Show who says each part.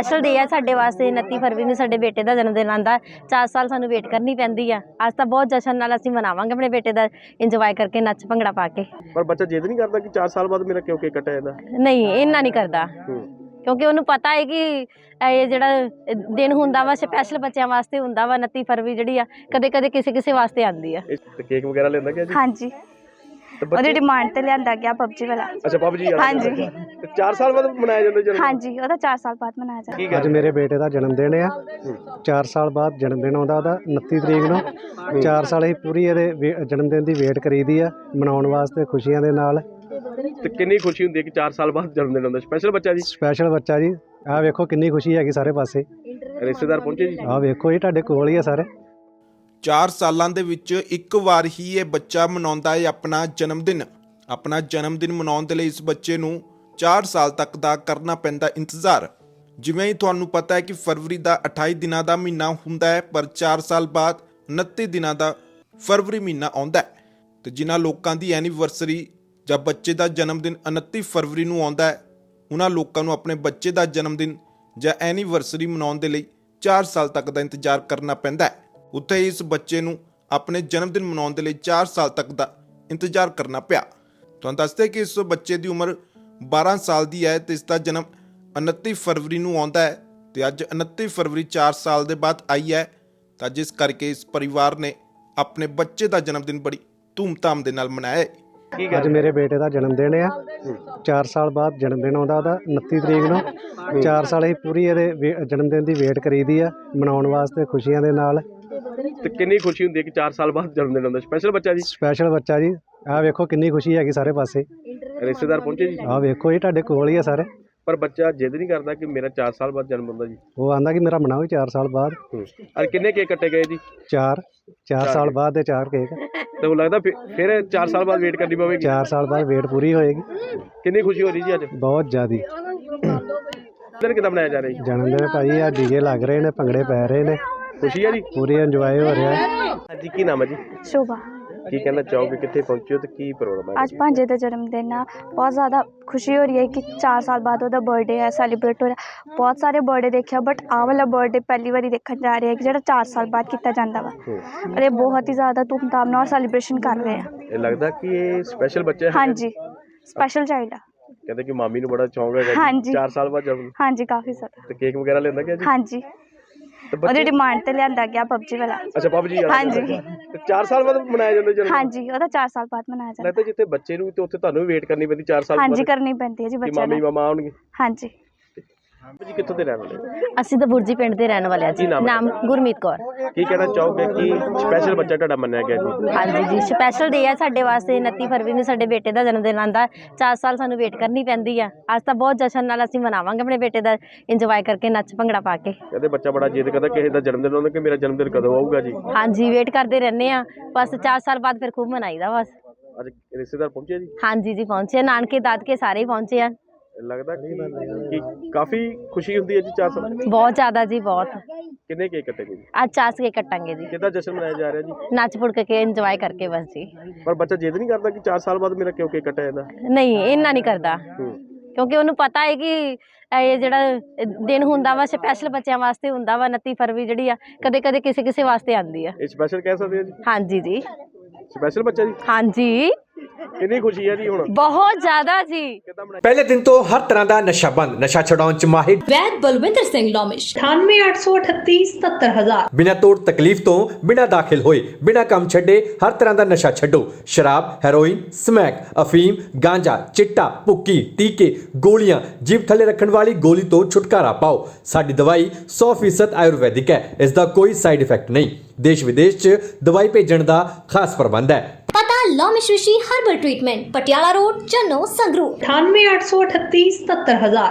Speaker 1: Special ਡੇ ਹੈ ਸਾਡੇ ਵਾਸਤੇ। 29 ਫਰਵਰੀ ਨੂੰ ਸਾਡੇ ਬੇਟੇ ਦਾ ਜਨਮ ਦਿਨ ਆਉਂਦਾ। 4 ਸਾਲ ਸਾਨੂੰ ਵੇਟ ਕਰਨੀ ਪੈਂਦੀ ਆ। ਅੱਜ ਤਾਂ ਬਹੁਤ ਜਸ਼ਨ ਨਾਲ ਅਸੀਂ ਮਨਾਵਾਂਗੇ ਆਪਣੇ ਬੇਟੇ ਦਾ, ਇੰਜੋਏ ਕਰਕੇ, ਨੱਚ ਭੰਗੜਾ ਪਾ ਕੇ।
Speaker 2: ਪਰ ਬੱਚਾ ਜਿੱਦ ਨਹੀਂ ਕਰਦਾ ਕਿ 4 ਸਾਲ ਬਾਅਦ ਮੇਰਾ ਕਿਉਂ ਕੇਕ ਕੱਟਿਆ ਜਾਂਦਾ?
Speaker 1: ਨਹੀਂ, ਇੰਨਾ ਨਹੀਂ ਕਰਦਾ, ਕਿਉਂਕਿ ਉਹਨੂੰ ਪਤਾ ਹੈ ਕਿ ਇਹ ਜਿਹੜਾ ਦਿਨ ਹੁੰਦਾ ਵਾ ਸਪੈਸ਼ਲ ਬੱਚਿਆਂ ਵਾਸਤੇ ਹੁੰਦਾ ਵਾ। 29 ਫਰਵਰੀ ਜਿਹੜੀ ਆ ਕਦੇ ਕਦੇ ਕਿਸੇ ਵਾਸਤੇ ਆਉਂਦੀ ਆ।
Speaker 2: ਕੇਕ ਵਗੈਰਾ ਲੈਂਦਾ ਕਿ ਜੀ?
Speaker 3: ਹਾਂਜੀ, ਉਹਦੀ ਡਿਮਾਂਡ ਤੇ ਲਿਆਂਦਾ ਗਿਆ ਪਬਜੀ ਵਾਲਾ।
Speaker 2: ਅੱਛਾ, ਪਬਜੀ ਵਾਲਾ।
Speaker 3: ਹਾਂਜੀ।
Speaker 2: ਤੇ 4 ਸਾਲ ਬਾਅਦ ਮਨਾਇਆ ਜਾਂਦਾ ਜਨਮ?
Speaker 3: ਹਾਂਜੀ, ਉਹਦਾ 4 ਸਾਲ ਬਾਅਦ ਮਨਾਇਆ ਜਾਂਦਾ।
Speaker 4: ਅੱਜ ਮੇਰੇ ਬੇਟੇ ਦਾ ਜਨਮ ਦਿਨ ਆ। 4 ਸਾਲ ਬਾਅਦ ਜਨਮ ਦਿਨ ਆਉਂਦਾ ਉਹਦਾ 29 ਤਰੀਕ ਨੂੰ। 4 ਸਾਲ ਅਸੀਂ ਪੂਰੀ ਇਹਦੇ ਜਨਮ ਦਿਨ ਦੀ ਵੇਟ ਕਰੀਦੀ ਆ, ਮਨਾਉਣ ਵਾਸਤੇ ਖੁਸ਼ੀਆਂ ਦੇ ਨਾਲ।
Speaker 2: ਤੇ ਕਿੰਨੀ ਖੁਸ਼ੀ ਹੁੰਦੀ ਹੈ ਕਿ 4 ਸਾਲ ਬਾਅਦ ਜਨਮ ਦਿਨ ਆਉਂਦਾ? ਸਪੈਸ਼ਲ ਬੱਚਾ ਜੀ?
Speaker 4: ਸਪੈਸ਼ਲ ਬੱਚਾ ਜੀ। ਆਹ ਵੇਖੋ ਕਿੰਨੀ ਖੁਸ਼ੀ ਹੈਗੀ ਸਾਰੇ ਪਾਸੇ।
Speaker 2: ਰਿਸ਼ਤੇਦਾਰ ਪਹੁੰਚੇ ਜੀ?
Speaker 4: ਆਹ ਵੇਖੋ ਜੀ, ਤੁਹਾਡੇ ਕੋਲ ਹੀ ਆ ਸਾਰੇ।
Speaker 5: 4 ਸਾਲਾਂ ਦੇ ਵਿੱਚ ਇੱਕ ਵਾਰ ਹੀ ਇਹ ਬੱਚਾ ਮਨਾਉਂਦਾ ਹੈ ਆਪਣਾ ਜਨਮ ਦਿਨ। ਆਪਣਾ ਜਨਮ ਦਿਨ ਮਨਾਉਣ ਦੇ ਲਈ ਇਸ ਬੱਚੇ ਨੂੰ 4 ਸਾਲ ਤੱਕ ਦਾ ਕਰਨਾ ਪੈਂਦਾ ਇੰਤਜ਼ਾਰ। ਜਿਵੇਂ ਹੀ ਤੁਹਾਨੂੰ ਪਤਾ ਹੈ ਕਿ ਫਰਵਰੀ ਦਾ 28 ਦਿਨਾਂ ਦਾ ਮਹੀਨਾ ਹੁੰਦਾ ਹੈ, ਪਰ 4 ਸਾਲ ਬਾਅਦ 29 ਦਿਨਾਂ ਦਾ ਫਰਵਰੀ ਮਹੀਨਾ ਆਉਂਦਾ ਹੈ। ਤੇ ਜਿਨ੍ਹਾਂ ਲੋਕਾਂ ਦੀ ਐਨੀਵਰਸਰੀ ਜਾਂ ਬੱਚੇ ਦਾ ਜਨਮ ਦਿਨ 29 ਫਰਵਰੀ ਨੂੰ ਆਉਂਦਾ ਹੈ, ਉਹਨਾਂ ਲੋਕਾਂ ਨੂੰ ਆਪਣੇ ਬੱਚੇ ਦਾ ਜਨਮ ਦਿਨ ਜਾਂ ਐਨੀਵਰਸਰੀ ਮਨਾਉਣ ਦੇ ਲਈ 4 ਸਾਲ ਤੱਕ ਦਾ ਇੰਤਜ਼ਾਰ ਕਰਨਾ ਪੈਂਦਾ ਹੈ। ਉੱਥੇ ਹੀ ਇਸ ਬੱਚੇ ਨੂੰ ਆਪਣੇ ਜਨਮ ਦਿਨ ਮਨਾਉਣ ਦੇ ਲਈ 4 ਸਾਲ ਤੱਕ ਦਾ ਇੰਤਜ਼ਾਰ ਕਰਨਾ ਪਿਆ। ਤੁਹਾਨੂੰ ਦੱਸਦੇ ਕਿ ਇਸ ਬੱਚੇ ਦੀ ਉਮਰ 12 ਸਾਲ ਦੀ ਹੈ ਤੇ ਇਸ ਦਾ ਜਨਮ 29 ਫਰਵਰੀ ਨੂੰ ਆਉਂਦਾ ਹੈ। ਤੇ ਅੱਜ 29 ਫਰਵਰੀ 4 ਸਾਲ ਦੇ ਬਾਅਦ ਆਈ ਹੈ, ਤਾਂ ਜਿਸ ਕਰਕੇ ਇਸ ਪਰਿਵਾਰ ਨੇ ਆਪਣੇ ਬੱਚੇ ਦਾ ਜਨਮ ਦਿਨ ਬੜੀ ਧੂਮਧਾਮ ਦੇ ਨਾਲ ਮਨਾਇਆ ਹੈ।
Speaker 4: ਅੱਜ ਮੇਰੇ ਬੇਟੇ ਦਾ ਜਨਮ ਦਿਨ ਆ। 4 ਸਾਲ ਬਾਅਦ ਜਨਮ ਦਿਨ ਆਉਂਦਾ ਉਹਦਾ 29 ਤਰੀਕ ਨੂੰ। 4 ਸਾਲ ਅਸੀਂ ਪੂਰੀ ਇਹਦੇ ਜਨਮ ਦਿਨ ਦੀ ਵੇਟ ਕਰੀਦੀ ਆ, ਮਨਾਉਣ ਵਾਸਤੇ ਖੁਸ਼ੀਆਂ ਦੇ ਨਾਲ।
Speaker 2: ਤੇ ਕਿੰਨੀ ਖੁਸ਼ੀ ਹੁੰਦੀ ਹੈ ਕਿ 4 ਸਾਲ ਬਾਅਦ ਜਨਮ ਦਿਨ ਆਉਂਦਾ? ਸਪੈਸ਼ਲ ਬੱਚਾ ਜੀ?
Speaker 4: ਸਪੈਸ਼ਲ ਬੱਚਾ ਜੀ। ਆਹ ਵੇਖੋ ਕਿੰਨੀ ਖੁਸ਼ੀ ਹੈਗੀ ਸਾਰੇ ਪਾਸੇ।
Speaker 2: ਰਿਸ਼ਤੇਦਾਰ ਪਹੁੰਚੇ ਜੀ?
Speaker 4: ਆਹ ਵੇਖੋ ਜੀ, ਤੁਹਾਡੇ ਕੋਲ ਹੀ ਆ ਸਾਰੇ।
Speaker 2: ਪਰ ਬੱਚਾ ਜਿੱਦ ਨਹੀਂ ਕਰਦਾ ਕਿ ਮੇਰਾ 4 ਸਾਲ ਬਾਅਦ ਜਨਮ ਹੁੰਦਾ ਜੀ?
Speaker 4: ਉਹ ਆਂਦਾ ਕਿ ਮੇਰਾ ਮਨਾਓ 4 ਸਾਲ ਬਾਅਦ।
Speaker 2: ਔਰ ਕਿੰਨੇ ਕੇਕ ਕੱਟੇ ਗਏ ਜੀ?
Speaker 4: 4 ਸਾਲ ਬਾਅਦ ਦੇ 4 ਕੇਕ।
Speaker 2: ਤੇ ਉਹ ਲੱਗਦਾ ਫਿਰ 4 ਸਾਲ ਬਾਅਦ ਵੇਟ ਕਰਨੀ ਪਵੇਗੀ?
Speaker 4: 4 ਸਾਲ ਬਾਅਦ ਵੇਟ ਪੂਰੀ ਹੋਏਗੀ।
Speaker 2: ਕਿੰਨੀ ਖੁਸ਼ੀ ਹੋ ਰਹੀ ਜੀ ਅੱਜ?
Speaker 4: ਬਹੁਤ ਜ਼ਿਆਦੀ।
Speaker 2: ਦਿਨ ਕਿੱਦਾਂ ਮਨਾਇਆ ਜਾ ਰਿਹਾ ਜੀ?
Speaker 4: ਜਨਮ ਦਿਨ ਭਾਈ ਆ, ਡੀਜੇ ਲੱਗ ਰਹੇ ਨੇ, ਭੰਗੜੇ ਪੈ ਰਹੇ ਨੇ,
Speaker 2: ਖੁਸ਼ੀ ਹੈ ਜੀ?
Speaker 4: ਪੂਰੀ ਇੰਜੋਏ ਹੋ ਰਿਹਾ ਹੈ।
Speaker 2: ਹਾਂਜੀ, ਕੀ ਨਾਮ ਹੈ ਜੀ?
Speaker 3: ਸ਼ੋਭਾ।
Speaker 2: ਕੀ ਕਹਿਣਾ ਚਾਹੋਗੇ, ਕਿੱਥੇ ਪਹੁੰਚੇ ਹੋ ਤੇ ਕੀ ਪ੍ਰੋਗਰਾਮ ਹੈ?
Speaker 3: ਅੱਜ ਭਾਂਜੇ ਦਾ ਜਨਮ ਦਿਨ ਆ। ਬਹੁਤ ਜ਼ਿਆਦਾ ਖੁਸ਼ੀ ਹੋ ਰਹੀ ਹੈ ਕਿ 4 ਸਾਲ ਬਾਅਦ ਉਹਦਾ ਬਰਥਡੇ ਹੈ, ਸੈਲੀਬ੍ਰੇਟ ਹੋ ਰਿਹਾ। ਬਹੁਤ ਸਾਰੇ ਬਰਥਡੇ ਦੇਖਿਆ, ਬਟ ਆਹ ਵਾਲਾ ਬਰਥਡੇ ਪਹਿਲੀ ਵਾਰੀ ਦੇਖਣ ਜਾ ਰਹੇ ਹੈ ਕਿ ਜਿਹੜਾ 4 ਸਾਲ ਬਾਅਦ ਕੀਤਾ ਜਾਂਦਾ ਵਾ। ਔਰ ਇਹ ਬਹੁਤ ਹੀ ਜ਼ਿਆਦਾ ਧੂਮਧਾਮ ਨਾਲ ਸੈਲੀਬ੍ਰੇਸ਼ਨ ਕਰ ਰਹੇ ਆ।
Speaker 2: ਇਹ ਲੱਗਦਾ ਕਿ ਇਹ ਸਪੈਸ਼ਲ ਬੱਚਾ ਹੈ?
Speaker 3: ਹਾਂਜੀ, ਸਪੈਸ਼ਲ ਚਾਈਲਡ ਆ।
Speaker 2: ਕਹਿੰਦੇ ਕਿ ਮਾਮੀ ਨੂੰ ਬੜਾ ਸ਼ੌਂਕ ਹੈਗਾ ਜੀ।
Speaker 3: ਹਾਂਜੀ।
Speaker 2: 4 ਸਾਲ ਬਾਅਦ ਜਨਮ।
Speaker 3: ਹਾਂਜੀ, ਕਾਫੀ ਜ਼ਿਆਦਾ।
Speaker 2: ਤੇ ਕੇਕ ਵਗੈਰਾ ਲੈਂਦਾ ਕਿ ਜੀ?
Speaker 3: ਹਾਂਜੀ, ਉਹਦੀ ਡਿਮਾਂਡ ਤੇ ਲਿਆਂਦਾ ਗਿਆ ਪਬਜੀ ਵਾਲਾ।
Speaker 2: ਅੱਛਾ, ਪਬਜੀ ਵਾਲਾ।
Speaker 3: ਹਾਂਜੀ।
Speaker 2: ਤੇ 4 ਸਾਲ ਬਾਅਦ ਮਨਾਇਆ ਜਾਂਦਾ ਜਨਮ?
Speaker 3: ਹਾਂਜੀ, ਉਹਦਾ 4 ਸਾਲ ਬਾਅਦ ਮਨਾਇਆ ਜਾਂਦਾ।
Speaker 2: ਲੱਗਦਾ ਜਿੱਥੇ ਬੱਚੇ ਨੂੰ ਤੇ ਉੱਥੇ ਤੁਹਾਨੂੰ ਵੀ ਵੇਟ ਕਰਨੀ ਪੈਂਦੀ 4 ਸਾਲ ਬਾਅਦ?
Speaker 3: ਹਾਂਜੀ, ਕਰਨੀ ਪੈਂਦੀ ਹੈ ਜੀ ਬੱਚਿਆਂ
Speaker 2: ਮਾਮੀ
Speaker 3: ਨੂੰ।
Speaker 2: ਮਾਮਾ ਆਉਣਗੇ?
Speaker 3: ਹਾਂਜੀ।
Speaker 2: ਜੀ ਕਿੱਥੋਂ ਦੇ ਰਹਿਣ ਵਾਲੇ?
Speaker 1: ਅਸੀਂ ਤਾਂ ਬੁਰਜੀ ਪਿੰਡ ਦੇ ਰਹਿਣ ਵਾਲੇ ਆ ਜੀ। ਨਾਮ ਗੁਰਮੀਤ ਕੌਰ।
Speaker 2: ਕੀ ਕਹਿਣਾ ਚਾਹੋਗੇ ਕਿ ਸਪੈਸ਼ਲ ਬੱਚਾ ਤੁਹਾਡਾ ਮੰਨਿਆ ਗਿਆ ਜੀ?
Speaker 1: ਹਾਂਜੀ ਜੀ, ਸਪੈਸ਼ਲ ਡੇ ਹੈ ਸਾਡੇ ਵਾਸਤੇ। 29 ਫਰਵਰੀ ਨੂੰ ਸਾਡੇ ਬੇਟੇ ਦਾ ਜਨਮ ਦਿਨ ਆਉਂਦਾ। 4 ਸਾਲ ਸਾਨੂੰ ਵੇਟ ਕਰਨੀ ਪੈਂਦੀ ਆ। ਅੱਜ ਤਾਂ ਬਹੁਤ ਜਸ਼ਨ ਨਾਲ ਅਸੀਂ ਮਨਾਵਾਂਗੇ ਆਪਣੇ ਬੇਟੇ ਦਾ, ਇੰਜੋਏ ਕਰਕੇ, ਨੱਚ ਭੰਗੜਾ ਪਾ ਕੇ।
Speaker 2: ਕਹਿੰਦੇ ਬੱਚਾ ਬੜਾ ਜਿੱਦ ਕਰਦਾ ਕਿਸੇ ਦਾ ਜਨਮ ਦਿਨ ਆਉਂਦਾ ਕਿ ਮੇਰਾ ਜਨਮ ਦਿਨ ਕਦੋਂ ਆਊਗਾ ਜੀ?
Speaker 1: ਹਾਂਜੀ, ਵੇਟ ਕਰਦੇ ਰਹਿੰਦੇ ਆ ਬਸ। 4 ਸਾਲ ਬਾਅਦ ਫਿਰ ਖੂਬ ਮਨਾਈਦਾ ਬਸ।
Speaker 2: ਅੱਜ ਰਿਸ਼ਤੇਦਾਰ ਪਹੁੰਚੇ ਜੀ?
Speaker 1: ਹਾਂਜੀ ਜੀ, ਪਹੁੰਚੇ। ਨਾਨਕੇ ਦਾਦਕੇ ਸਾਰੇ ਹੀ ਪਹੁੰਚੇ ਆ।
Speaker 2: ਲੱਗਦਾ ਕਿ ਕਾਫੀ ਖੁਸ਼ੀ ਹੁੰਦੀ ਹੈ ਜੀ 4 ਸਾਲ?
Speaker 1: ਬਹੁਤ ਜ਼ਿਆਦਾ ਜੀ, ਬਹੁਤ।
Speaker 2: ਕਿੰਨੇ ਕੇਕ ਕੱਟੇ ਗਏ ਜੀ?
Speaker 1: ਅੱਜ 4 ਕੇਕ ਕੱਟਾਂਗੇ ਜੀ।
Speaker 2: ਕਿੱਦਾਂ ਜਸ਼ਨ ਮਨਾਇਆ ਜਾ ਰਿਹਾ ਜੀ?
Speaker 1: ਨੱਚ ਪੁੜ ਕੇ, ਇੰਜੋਏ ਕਰਕੇ ਬਸ ਜੀ।
Speaker 2: ਪਰ ਬੱਚਾ ਜਿੱਦ ਨਹੀਂ ਕਰਦਾ ਕਿ 4 ਸਾਲ ਬਾਅਦ ਮੇਰਾ ਕਿਉਂ ਕੇਕ ਕੱਟਿਆ ਜਾਂਦਾ?
Speaker 1: ਨਹੀਂ, ਇੰਨਾ ਨਹੀਂ ਕਰਦਾ, ਕਿਉਂਕਿ ਉਹਨੂੰ ਪਤਾ ਹੈ ਕਿ ਇਹ ਜਿਹੜਾ ਦਿਨ ਹੁੰਦਾ ਵਾ ਸਪੈਸ਼ਲ ਬੱਚਿਆਂ ਵਾਸਤੇ ਹੁੰਦਾ ਵਾ। 29 ਫਰਵਰੀ ਜਿਹੜੀ ਆ ਕਦੇ ਕਦੇ ਕਿਸੇ ਵਾਸਤੇ ਆਉਂਦੀ ਆ।
Speaker 2: ਇਹ ਸਪੈਸ਼ਲ ਕਹਿ ਸਕਦੇ ਹੋ ਜੀ?
Speaker 1: ਹਾਂਜੀ ਜੀ।
Speaker 2: ਸਪੈਸ਼ਲ ਬੱਚਾ ਜੀ?
Speaker 1: ਹਾਂਜੀ,
Speaker 2: ਕਿੰਨੀ ਖੁਸ਼ੀ ਹੈ ਜੀ ਹੁਣ?
Speaker 1: ਬਹੁਤ ਜ਼ਿਆਦਾ ਜੀ।
Speaker 6: ਪਹਿਲੇ ਦਿਨ ਤੋਂ ਹਰ ਤਰ੍ਹਾਂ ਦਾ ਨਸ਼ਾ ਬੰਦ, ਨਸ਼ਾ ਛਡਾਉਣ ਚ ਮਾਹਿਰ
Speaker 7: ਵੈਦ ਬਲਵਿੰਦਰ ਸਿੰਘ ਲੋਮਿਸ਼ 9883877000।
Speaker 6: ਬਿਨਾਂ ਤੋੜ ਤਕਲੀਫ ਤੋਂ, ਬਿਨਾਂ ਦਾਖਲ ਹੋਏ, ਬਿਨਾਂ ਕੰਮ ਛੱਡੇ ਹਰ ਤਰ੍ਹਾਂ ਦਾ ਨਸ਼ਾ ਛੱਡੋ। ਸ਼ਰਾਬ, ਹੈਰੋਇਨ, ਸਮੈਕ, ਅਫੀਮ, ਗਾਂਜਾ, ਚਿੱਟਾ, ਭੁੱਕੀ, ਟੀਕੇ, ਗੋਲੀਆਂ, ਜੀਭ ਥੱਲੇ ਰੱਖਣ ਵਾਲੀ ਗੋਲੀ ਤੋਂ ਛੁਟਕਾਰਾ ਪਾਓ। ਸਾਡੀ ਦਵਾਈ 100% ਆਯੁਰਵੈਦਿਕ ਹੈ। ਇਸ ਦਾ ਕੋਈ ਸਾਈਡ ਇਫੈਕਟ ਨਹੀਂ। ਦੇਸ਼ ਵਿਦੇਸ਼ 'ਚ ਦਵਾਈ ਭੇਜਣ ਦਾ ਖਾਸ ਪ੍ਰਬੰਧ ਹੈ।
Speaker 7: ਪਤਾ Lomish Rishi herbal treatment, Patiala road, Channo, Sangrur.
Speaker 8: 9883877000।